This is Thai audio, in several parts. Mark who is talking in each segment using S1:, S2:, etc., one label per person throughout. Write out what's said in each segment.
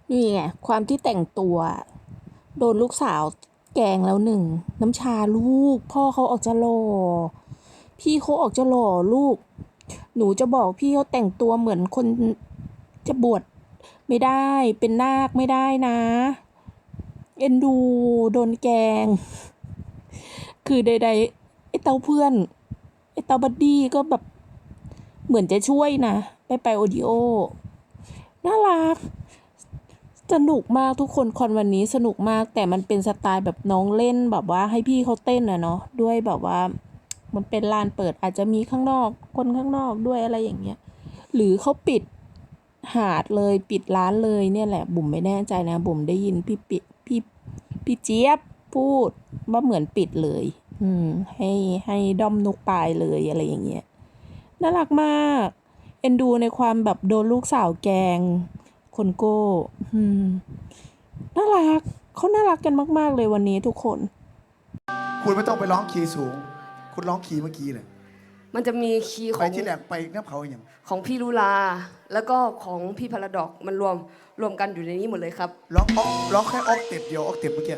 S1: นี่ไงความที่แต่งตัวโดนลูกสาวแกล้งแล้วหนึ่งน้ำชาลูกพ่อเขาออกจะหล่อพี่เขาออกจะหล่อลูกหนูจะบอกพี่เขาแต่งตัวเหมือนคนจะบวชไม่ได้เป็นนาคไม่ได้นะเอ็นดูโดนแกล้งคือใดๆไอ้เต้าเพื่อนไอ้เต้าบัดดี้ก็แบบเหมือนจะช่วยนะไปโอดิโอน่ารัก สนุกมากทุกคนคอนวันนี้สนุกมากแต่มันเป็นสไตล์แบบน้องเล่นแบบว่าให้พี่เขาเต้นอะเนาะด้วยแบบว่ามันเป็นลานเปิดอาจจะมีข้างนอกคนข้างนอกด้วยอะไรอย่างเงี้ยหรือเขาปิดหาดเลยปิดร้านเลยเนี่ยแหละบุ๋มไม่แน่ใจนะบุ๋มได้ยินพี่เจี๊ยบพูดว่าเหมือนปิดเลยให้ด้อมนกปลายเลยอะไรอย่างเงี้ยน่ารักมากเอ็นดูในความแบบโดนลูกสาวแกงคนโก้น่ารักเขาน่ารักกันมากๆเลยวันนี้ทุกคน
S2: คุณไม่ต้องไปร้องคีย์สูงคุณร้องคีย์เมื่อกี้เลย
S3: มันจะมีคีย์ข
S2: ไป
S3: อง
S2: ที่แหลกไปน้ำเขาอย่าง
S3: ของพี่ลุลาแล้วก็ของพี่พาราดอกมันรวมกันอยู่ในนี้หมดเลยครับ
S2: ร้องแค่ออกเต็ปเดียวออกเต็ปเมื่อกี้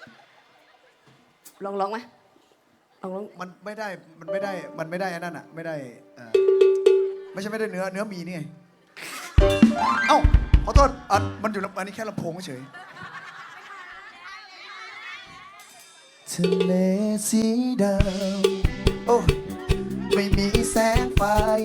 S3: ร้องไหมร้อง
S2: มันไม่ได้อันนั้นอ่ะไม่ได้ไม่ใช่ไม่ได้เนื้อมีนี่ไงเอ้าขอโทษมันอยู่อันนี้แค่ลำโพงเฉยทะเลสีดำโอ้ไม่มีแสงไฟ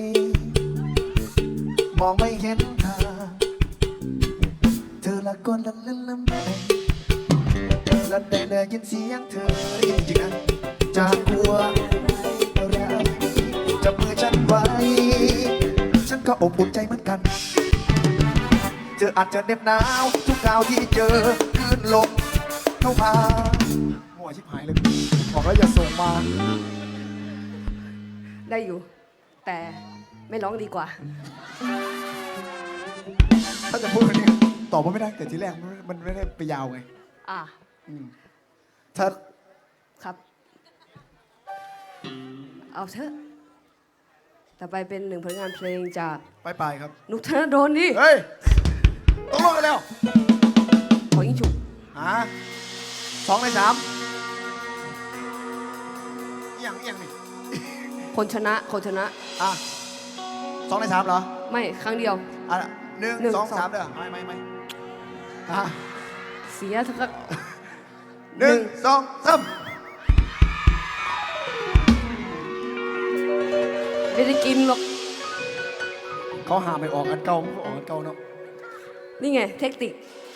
S2: มองไม่เห็นทางเธอละก้นละเล่นละแม่และได้ยินเสียงเธอจริงๆนะจากหัวอะไรจับมือฉันไว้ฉันก็อบอุ่นใจเหมือนกันเธออาจจะเหน็บหนาวทุกคราวที่เจอคลื่นลมเข้ามาหัวชิบหายเลยบอกแล้วอย่าส่งมา
S3: ได้อยู่แต่ไม่ร้องดีกว่า
S2: ถ้าจะพูดวันนี้ตอบว่าไม่ได้แต่ทีแรกมันไม่ได้ไปยาวไงถ้า
S3: ครับเอาเถอะต่อไปเป็นหนึ่งผลงานเพลงจาก
S2: ไปครับ
S3: นุกธนดลดิ
S2: เฮ้ยต้องลงกันแล้ว
S3: ขอยิงฉุก
S2: 2 ใน 3อย่างนี่
S3: คนชนะ
S2: 2 ใน 3เหรอ
S3: ไม่ครั้งเดียว
S2: 1 2 3เด้อไม่
S3: เสียทั้ง
S2: 1 2 3
S3: ไม่ได้กินหรอก
S2: เขาหาไม่ออกอันเก่าไม่ออกอันเก่าเนาะ
S3: นี่ไงเทคนิค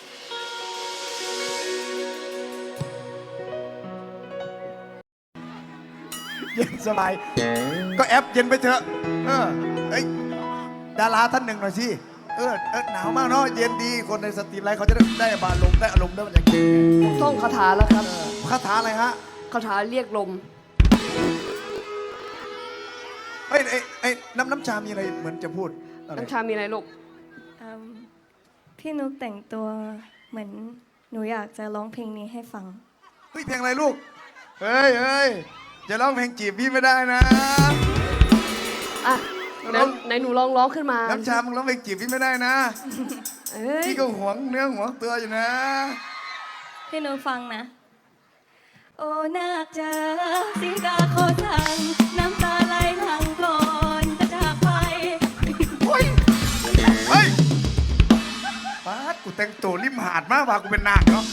S2: เย็นสบายก็แอปเย็นไปเถอะดาราท่านหนึ่งหน่อยสิหนาวมากเนาะเย็นดีคนในสตรีมไลฟ์เขาจะได้บานลมได้อารมณ์ได้มันอย่างนี้
S3: ท่องคาถาแล้วครับ
S2: คาถาอะไรฮะ
S3: คาถาเรียกลม
S2: น้ำชามีอะไรเหมือนจะพูด
S3: น้ำชามีอะไรลูก
S4: พี่นุกแต่งตัวเหมือนหนูอยากจะร้องเพลงนี้ให้ฟัง
S2: เพลงอะไรลูกเฮ้ยจะร้องเพลงจีบพี่ไม่ได้นะ
S3: ไหนหนูร้องขึ้นมา
S2: น้ำชามึงร้องเพลงจีบพี่ไม่ได้นะพี่ก็หวงเนื้อหวงตัวอยู่นะ
S4: พี่นุกฟังนะโอ้นาคจ๋าสีกาโคทังน้ำตาไหลหลังก่อนจะจากไป
S2: เฮ้ยป้ากูแต่งตัวริมหาดมากว่ากูเป็นนาคเนาะ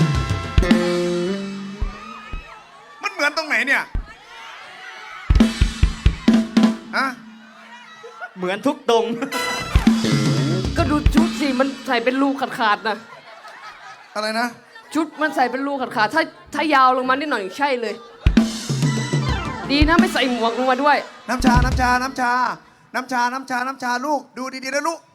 S2: มันเหมือนตรงไหนเนี่ย
S5: เหมือนทุกตรง
S3: ก็ดูชุดสิมันใส่เป็นรูขาดนะ
S2: อะไรนะ
S3: ชุดมันใส่เป็นรูขาดถ้ายาวลงมานิดหน่อยใช่เลยดีนะไม่ใส่หมวกลงมาด้วย
S2: น้ำชาลูกดูดีๆนะลูก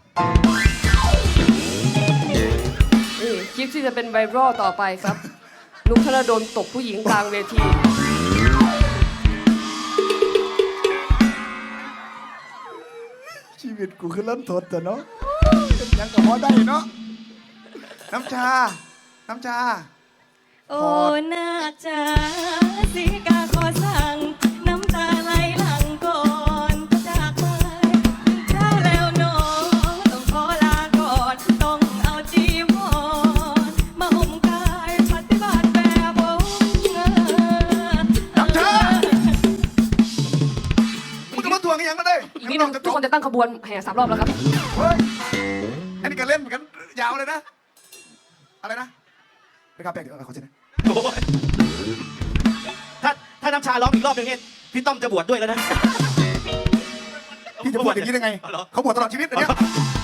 S3: นี่คลิปที่จะเป็นไวรัลต่อไปครับนุกธนดลตบผู้หญิงกลางเวที
S2: ชีวิตกูคือเริ่มทนแต่เนาะยังกับพอได้เนาะน้ำชา
S4: โอ้นาคจ๋าสีกาขอสั่งน้ำตาไหลหลังก่อนจากไปได้แล้วน้องต้องขอลาก่อนต้องเอาจีว
S2: วงกันยังก็ได้
S3: อีกนิดนึงทุกคนจะตั้งขบวนแห่3 รอบแล้วครับ
S2: เฮ้ยอันนี้ก็เล่นเหมือนกันยาวเลยนะอะไรนะไปกาแฟเดี๋ยวขอเช็ดนะ
S5: โอ้ยถ้าน้ำชาร้องอีกรอบหนึงเนี่ยพี่ต้อมจะบวชด้วยแล้วนะ
S2: พี่จะบวชอย่างนี้ได้ไง
S5: อ๋อเหรอ
S2: เขาบวชตลอดชีวิตอันเนี้ย